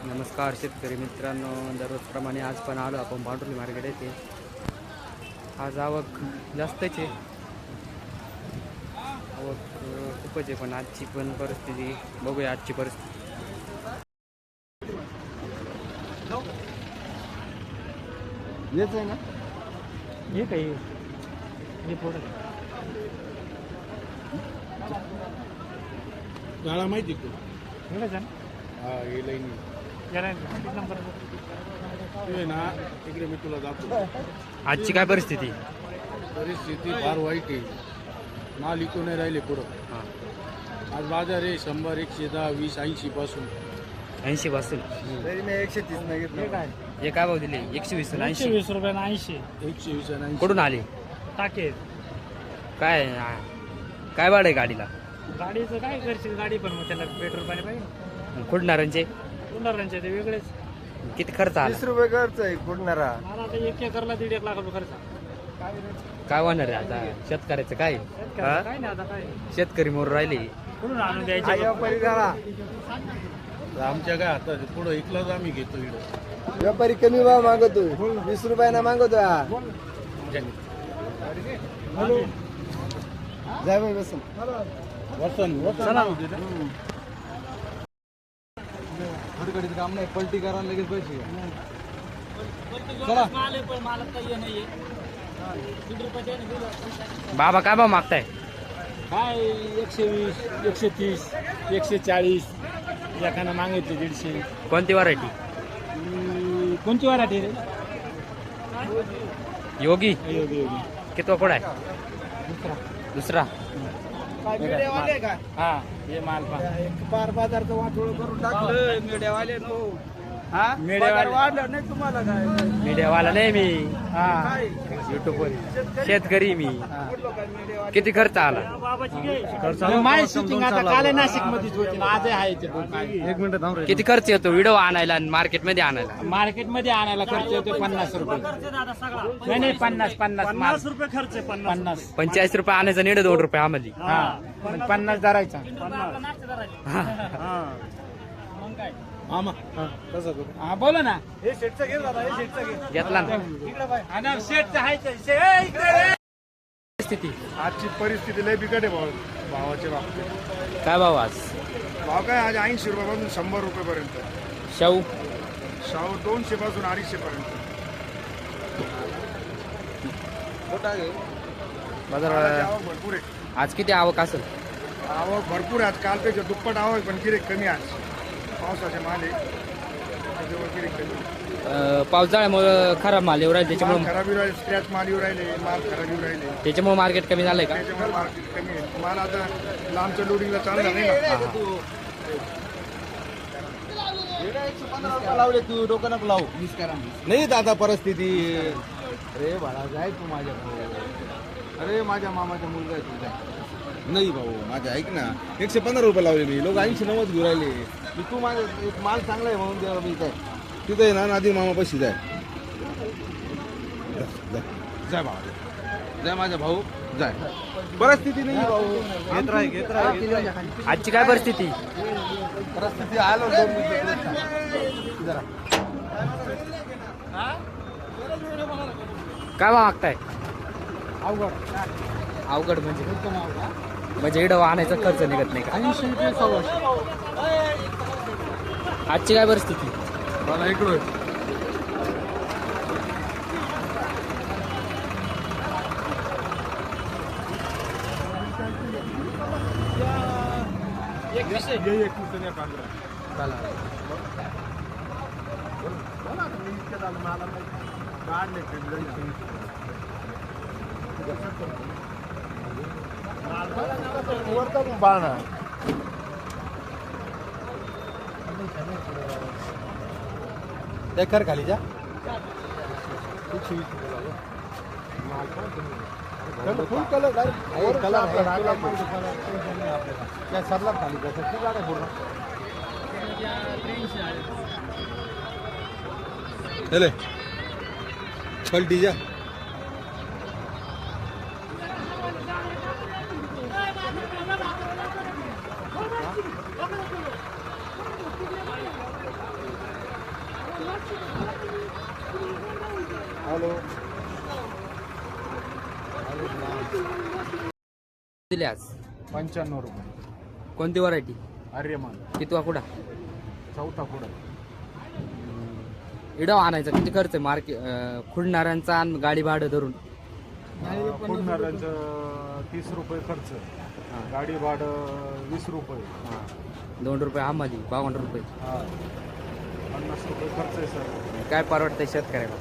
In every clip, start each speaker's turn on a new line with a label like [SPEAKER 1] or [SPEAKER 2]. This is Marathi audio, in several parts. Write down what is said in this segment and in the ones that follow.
[SPEAKER 1] नमस्कार शेतकरी मित्रांनो, दररोजप्रमाणे आज पण आलो आपण भांडुर्ली मार्केट येथे. आज आवक जास्तच आहे, आवक खूपच आहे, पण आजची पण परिस्थिती बघूया. आजची परिस्थिती
[SPEAKER 2] येच आहे ना,
[SPEAKER 1] हे काही हे थोडं
[SPEAKER 2] गाळा माहिती तू
[SPEAKER 1] ना.
[SPEAKER 2] हा हे लाईन
[SPEAKER 1] नंबर
[SPEAKER 2] ना तिकडे मी तुला दाखवतो.
[SPEAKER 1] आजची काय परिस्थिती?
[SPEAKER 2] परिस्थिती फार वाईट आहे. माल इकू नाही राहिले पुढं.
[SPEAKER 1] हां,
[SPEAKER 2] आज बाजार आहे 100, 110, 20, 80 पासून
[SPEAKER 1] 80 पासून.
[SPEAKER 2] तरी मी 130 नाही घेतलं.
[SPEAKER 1] हे काय भाव दिले? 120 आणि 80.
[SPEAKER 3] 120 रुपयानं 80
[SPEAKER 2] 120 आणि 80.
[SPEAKER 1] कुठून आले?
[SPEAKER 3] टाके.
[SPEAKER 1] काय काय भाडं आहे गाडीला?
[SPEAKER 3] गाडीचं काय करशील? गाडी पण मग त्याला पेट्रोल पाणी पाहिजे.
[SPEAKER 1] कुठणाऱ्यांचे
[SPEAKER 3] उन्हाळ्यांचे ते वेगळेच.
[SPEAKER 1] किती खर्च आला?
[SPEAKER 2] 20 रुपये खर्च आहे कुठणारा.
[SPEAKER 3] मला आता 1 एकरला 1.5 लाख रुपये खर्च.
[SPEAKER 1] काय होणार आहे आता शेतकऱ्याचं? काय हा?
[SPEAKER 3] काय नाही आता काय
[SPEAKER 1] शेतकरी मोर राहिले.
[SPEAKER 3] कुठून आणून द्यायचे?
[SPEAKER 2] आमच्या काय हातात पुढं इकलाच आम्ही घेतो इकडं.
[SPEAKER 4] व्यापारी कमी भाव मागतो, 20 रुपयाना मागतो. जाय बाई बसून
[SPEAKER 2] खडखडीत काम नाही, पलटी करा लगेच पैसे.
[SPEAKER 3] मालक काही नाहीये.
[SPEAKER 1] बाबा काय भाव मागताय?
[SPEAKER 3] काय 120, 130, 140 एखादा मागितले 150.
[SPEAKER 1] कोणती व्हरायटी?
[SPEAKER 3] कोणती वराठी रे?
[SPEAKER 1] योगी
[SPEAKER 3] योगी योगी.
[SPEAKER 1] कितवा कोड आहे? दुसरा.
[SPEAKER 3] हा हे माल
[SPEAKER 4] पार बाजारचं वाटोळ करून टाकलं मीडियावाले नो.
[SPEAKER 3] मीडियावाले
[SPEAKER 4] वाढलं नाही तुम्हाला काय?
[SPEAKER 1] मीडियावाला नाही मी,
[SPEAKER 3] हा
[SPEAKER 1] युट्यूबवर शेतकरी मी. किती खर्च आला?
[SPEAKER 3] माय शूटिंग आता काल नाशिक मध्येच होती ना, आज आहे ते.
[SPEAKER 2] 1 मिनिट थांब रे.
[SPEAKER 1] किती खर्च येतो व्हिडिओ आणायला आणि मार्केट मध्ये आणायला?
[SPEAKER 3] मार्केट मध्ये आणायला खर्च येतो 50 रुपये. नाही नाही 50 रुपये खर्च आहे. 50
[SPEAKER 1] 45 रुपये आणायचा, 1.5 रुपये आम्हाला.
[SPEAKER 3] हा 50 धरायचा.
[SPEAKER 2] मामा कसं करू?
[SPEAKER 3] हा बोला ना.
[SPEAKER 4] हे शेटचं घे दादा, हे शेटचं घे.
[SPEAKER 1] घेतला ना.
[SPEAKER 3] आणि शेट आहे
[SPEAKER 1] स्थिती
[SPEAKER 2] आजची परिस्थिती लय बिकट आहे भावाच्या बाबतीत.
[SPEAKER 1] काय भाव आज?
[SPEAKER 2] भाव काय आज 80 रुपयापासून 100 रुपयेपर्यंत.
[SPEAKER 1] शाहू
[SPEAKER 2] शाहू 200 पासून 250 पर्यंत.
[SPEAKER 1] बाजार
[SPEAKER 2] आवक भरपूर आहे.
[SPEAKER 1] आज किती आवक असेल?
[SPEAKER 2] आवक भरपूर आहे आज. कालपेक्षा दुप्पट आवक, पण गिरेक कमी आज. पावसाचे माल आहे त्याच्यामुळे गिरेक कमी.
[SPEAKER 1] पावसाळ्यामुळे खराब माल येऊ राहिले,
[SPEAKER 2] माल
[SPEAKER 1] त्याच्यामुळे
[SPEAKER 2] खराब येऊ राहिले, स्क्रॅच माल येऊ राहिले, माल खराब येऊ राहिले,
[SPEAKER 1] त्याच्यामुळे मार्केट कमी झालंय का?
[SPEAKER 2] त्याच्यामुळे मार्केट कमी आहे. माल आता लांबच्या लोडिंगला चालणार नाही ना.
[SPEAKER 4] लावले तू डोकं नको लावू. नाही दादा परिस्थिती. अरे बाळा जाय तू माझ्या भाऊ. अरे माझ्या मामाचा मुलगा आहे तुझा. नाही भाऊ माझ्या ऐक ना, 115 रुपये लावले मी. लोक 80-90 घेऊ राहिले. तू माझा एक माल चांगला आहे म्हणून द्यावा मी. काय तिथं आहे ना, नादी मामा पैसे जाय. जाय भाऊ, जाय माझा भाऊ जाय. परिस्थिती नाही भाऊ. घेत राह.
[SPEAKER 1] आजची काय परिस्थिती?
[SPEAKER 4] परिस्थिती आलो 2 मिनिटं जरा.
[SPEAKER 1] काय भाव मागताय?
[SPEAKER 4] अवघड
[SPEAKER 1] अवघड म्हणजे इडं आणायचा खर्च निघत नाही का?
[SPEAKER 4] 80 रुपये 100.
[SPEAKER 1] आजची काय परिस्थिती?
[SPEAKER 2] मला इकडं
[SPEAKER 4] बाळा एकर खाली जा. फुल कलर कलर काय सरला खाली जा. किती गाड्या पूर्ण चले पलटी जा.
[SPEAKER 2] हॅलो
[SPEAKER 1] दिले आज
[SPEAKER 2] 95 रुपये
[SPEAKER 1] कोणती व्हरायटी?
[SPEAKER 2] आर्यमान
[SPEAKER 1] कितवा कुडा?
[SPEAKER 2] चौथा पुढं
[SPEAKER 1] इडव आणायचा किती खर्च आहे? मार्केट खुडणाऱ्यांचा आणि गाडी भाडं धरून
[SPEAKER 2] पुढणाऱ्यांचं 30 रुपये खर्च, गाडी भाडं 20 रुपये,
[SPEAKER 1] 2 रुपये आम्हाला 52 रुपये.
[SPEAKER 2] 50 रुपये खर्च आहे सर.
[SPEAKER 1] काय परवडतंय शेतकऱ्याला?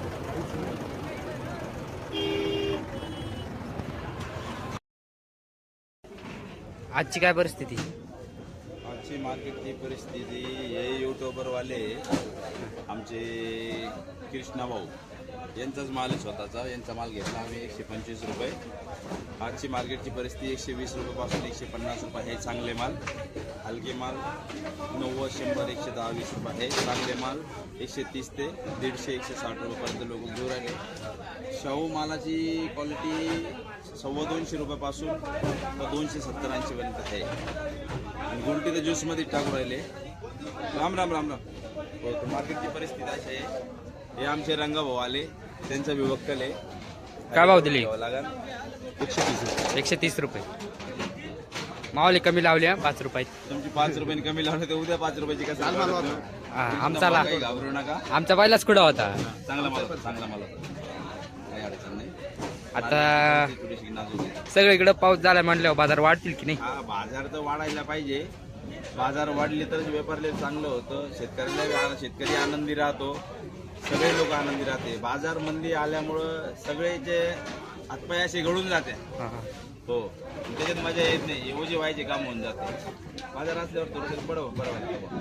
[SPEAKER 1] आजची काय परिस्थिती?
[SPEAKER 5] आजची मार्केटची परिस्थिती हे यूट्यूबरवाले आमचे कृष्णा भाऊ यांचाच माल आहे स्वतःचा. यांचा माल घेतला आम्ही 125 रुपये. आजची मार्केटची परिस्थिती 120 रुपयापासून 150 रुपये हे चांगले माल. हलके माल 90, 100, 110, 20 रुपये हे चांगले माल. 130 ते 150, 160 रुपयापर्यंत लोक घेऊन राहिले. शाहू मालाची क्वालिटी 250 रुपयापासून तर 270-80 पर्यंत आहे. आणि गुलटी तर ज्यूसमध्ये टाकून राहिले. राम राम राम राम. हो तर मार्केटची परिस्थिती अशी आहे. हे आमचे रंगाभाऊ आले, त्यांचा विवक्कल आहे.
[SPEAKER 1] काय भाव दिले?
[SPEAKER 5] लागेल
[SPEAKER 1] 130 रुपये. मावले कमी लावले 5 रुपये.
[SPEAKER 5] तुमची 5 रुपयांनी कमी लावले तर उद्या 5 रुपयाची कसं
[SPEAKER 1] आमचा
[SPEAKER 5] काही घाबरू नका.
[SPEAKER 1] आमचा पहिलाच कुडा होता.
[SPEAKER 5] चांगला माल होता, चांगला माल होता, काही अडचण नाही.
[SPEAKER 1] आता
[SPEAKER 5] थोडीशी नाजूक आहे.
[SPEAKER 1] सगळीकडे पाऊस झाला म्हटल्यावर बाजार वाढतील की नाही?
[SPEAKER 5] हा बाजार तर वाढायला पाहिजे. बाजार वाढले तरच व्यापारले चांगलं होतं. शेतकरी आनंदी राहतो, सगळे लोक आनंदी राहते. बाजार मंदी आल्यामुळं सगळेचे हातपाय असे गळून जाते. हो त्याच्यात मजा येत नाही. एवढे व्हायचे काम होऊन जाते. बाजार असल्यावर थोडंसं बरं वाटतं.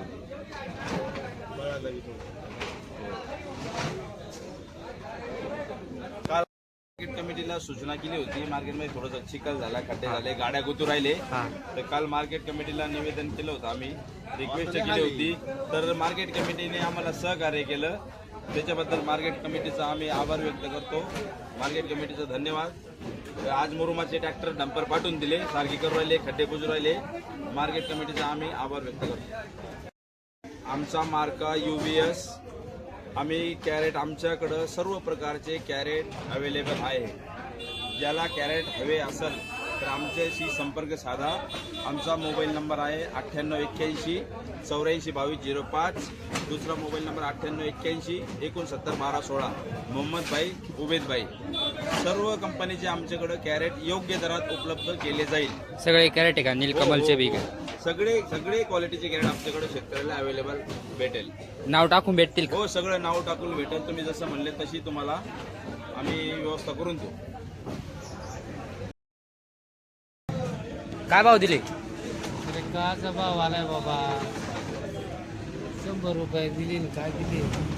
[SPEAKER 5] काल मार्केट कमिटीला सूचना केली होती. मार्केटमध्ये थोडंसं चिखल झाला, खड्डे झाले, गाड्या गुतू राहिले. तर काल मार्केट कमिटीला निवेदन केलं होतं आम्ही, रिक्वेस्ट केली होती. तर मार्केट कमिटीने आम्हाला सहकार्य केलं. त्याच्याबद्दल मार्केट कमिटीचा आम्ही आभार व्यक्त करतो. मार्केट कमिटीचा धन्यवाद. आज मुरुमाचे ट्रॅक्टर डंपर पाठवून दिले, सारखी करू राहिले, खड्डे बुजू राहिले. मार्केट कमिटीचा आम्ही आभार व्यक्त करतो. आमचा मार्का UVS. आम्ही कॅरेट, आमच्याकडं सर्व प्रकारचे कॅरेट अवेलेबल आहे. ज्याला कॅरेट हवे असेल तर आमच्याशी संपर्क साधा. आमचा मोबाईल नंबर आहे 9881 84 22 05. दुसरा मोबाईल नंबर 9881 69 12 16. मोहम्मद भाई, उबेद भाई. सर्व कंपनीचे आमच्याकडे कॅरेट योग्य दरात उपलब्ध केले जाईल.
[SPEAKER 1] सगळे कॅरेट आहे का? नीलकमलचे बी का?
[SPEAKER 5] सगळे क्वालिटीचे कॅरेट आमच्याकडे शेतकऱ्याला अवेलेबल भेटेल.
[SPEAKER 1] नाव टाकून भेटतील का?
[SPEAKER 5] हो सगळं नाव टाकून भेटेल. तुम्ही जसं म्हणले तशी तुम्हाला आम्ही व्यवस्था करून देऊ.
[SPEAKER 1] काय भाव दिले?
[SPEAKER 3] काचा भाव आलाय बाबा. 100 रुपये दिले ना, काय दिले?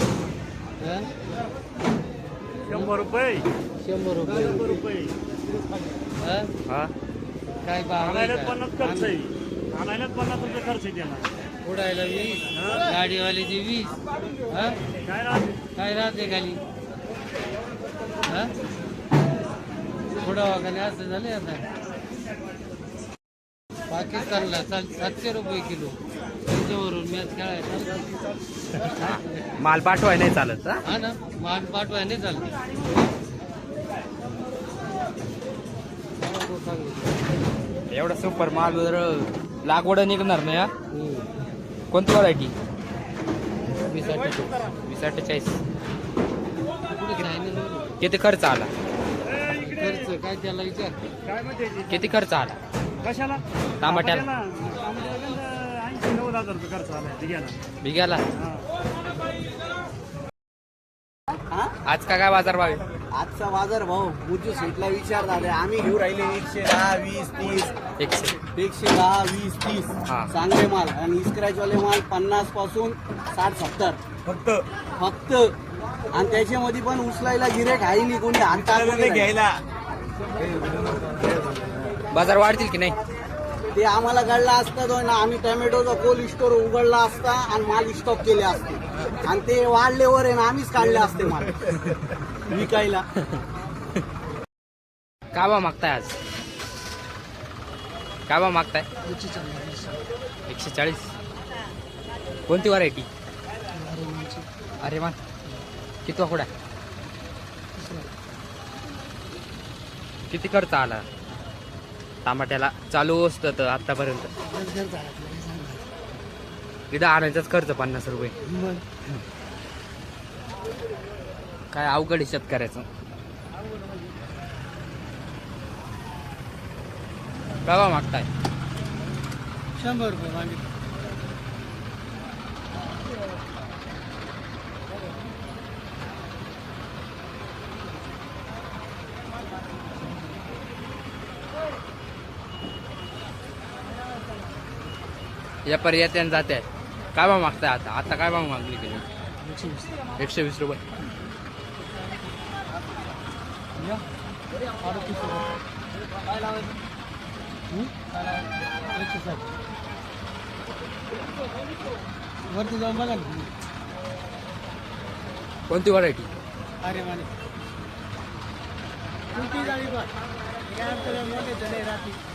[SPEAKER 2] 100 रुपये
[SPEAKER 3] 100 रुपये.
[SPEAKER 1] हा
[SPEAKER 3] काय भाव?
[SPEAKER 2] आणायला 50 खर्च आहे. आणायला 50 रुपये खर्च आहे त्याला.
[SPEAKER 3] उडायला 20, गाडीवाल्याची 20.
[SPEAKER 2] काय राहते?
[SPEAKER 3] काय राहते खाली? उडावा खाली असं झाले आता. पाकिस्तानला 700 रुपये किलो. त्यांच्यावरून मॅच खेळायचा.
[SPEAKER 1] माल पाठवाय नाही चालत.
[SPEAKER 3] हा ना, मान पाठवाय नाही चालत.
[SPEAKER 1] एवढा सुपर माल जर लागवड निघणार नाही. हा कोणती व्हरायटी? 2048. किती खर्च आला?
[SPEAKER 3] खर्च काय त्याला विचार.
[SPEAKER 2] काय म्हणते?
[SPEAKER 1] किती खर्च आला
[SPEAKER 2] कशाला?
[SPEAKER 1] टमाट्याला?
[SPEAKER 2] 80-90 रुपये खर्च आला
[SPEAKER 1] बिघ्याला. आज काय बाजार भाव आहे?
[SPEAKER 6] आजचा बाजार भाव मुर्जू सीटला विचार झाले. आम्ही घेऊ राहिले 110, 20, 30. 110, 20, 30
[SPEAKER 1] हा.
[SPEAKER 6] चांगले माल. आणि इस्क्रॅचवाले माल 50 पासून 60-70 फक्त. आणि त्याच्यामध्ये पण उचलायला गिरेक आहे नाही, कोणी हात घ्यायला.
[SPEAKER 1] बाजार वाढतील की नाही?
[SPEAKER 6] ते आम्हाला कळला असता तो ना, आम्ही टोमॅटोचा कोल्ड स्टोर उघडला असता आणि माल स्टॉक केले असते. आणि ते वाढलेवर आहे ना, आम्हीच काढले असते माल विकायला.
[SPEAKER 1] काय भाव मागताय आज? काय भाव मागताय? 140. कोणती व्हरायटी? अरे वा. कितवा कुडा? किती खर्च आला टमाट्याला चालू असतं तर आतापर्यंत? इथं आणायचाच खर्च 50 रुपये. काय अवघड आहे शेतकऱ्याचं. काय भाव मागताय?
[SPEAKER 6] 100 रुपये मागितले.
[SPEAKER 1] या पर्यटन जाते. काय भाव मागताय आता? आता काय भाव मागली गेली? 120 रुपये.
[SPEAKER 6] वरती जाऊन बघा.
[SPEAKER 1] कोणती व्हरायटी?
[SPEAKER 6] अरे माने मोठे राहते.